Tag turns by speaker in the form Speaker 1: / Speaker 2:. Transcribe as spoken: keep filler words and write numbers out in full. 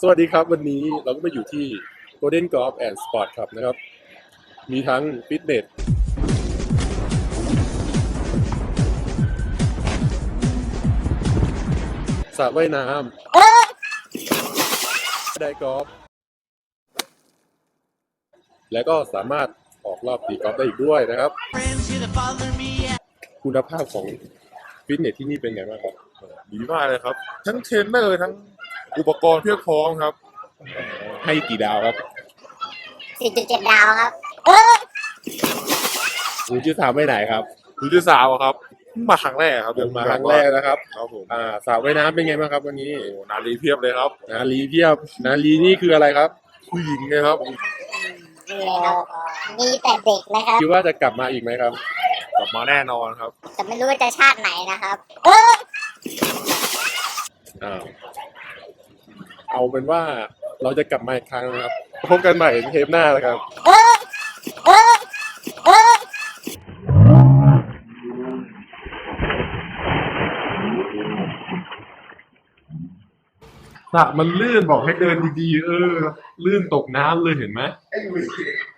Speaker 1: สวัสดีครับวันนี้เราก็มาอยู่ที่ Golden Golf and Sport Club นะครับมีทั้งฟิตเนสสระว่ายน้ำได้กอล์ฟและก็สามารถออกรอบตีกอล์ฟได้อีกด้วยนะครับคุณภาพของฟิตเนสที่นี่เป็นไงบ้างครับ
Speaker 2: ดีมากเลยครับทั้งเทรนเนอร์ทั้งอุปกรณ์เพียบพร้อมครับ
Speaker 1: ให้กี่ดาวครับ
Speaker 3: สี่จุดเจ็ด ดาวครับ
Speaker 1: คุณชื่อสาวไปไหนครับ
Speaker 2: คุณชื่อสาวครับมาครั้งแรกครับ
Speaker 1: เดินมาครั้งแรกนะครับ
Speaker 2: ครับผม
Speaker 1: อ่าสระว่ายน้ำเป็นไงบ้างครับวันนี้
Speaker 2: โอ้นาลีเพียบเลยครับ
Speaker 1: นาลีเพียบนาลีนี่คืออะไรครับ
Speaker 2: ผู้หญิงเลยครับ
Speaker 3: นี่ครับมีแต่เด็กนะครับ
Speaker 1: คิดว่าจะกลับมาอีกไหมครับ
Speaker 2: กลับมาแน่นอนครับ
Speaker 3: แต่ไม่รู้ว่าจะชาติไหนนะครับ
Speaker 1: อ้าวเอาเป็นว่าเราจะกลับมาอีกครั้งนะครับพบกันใหม่เทปหน้านะครับสระมันลื่นบอกให้เดินดีๆเออลื่นตกน้ำเลยเห็นไหม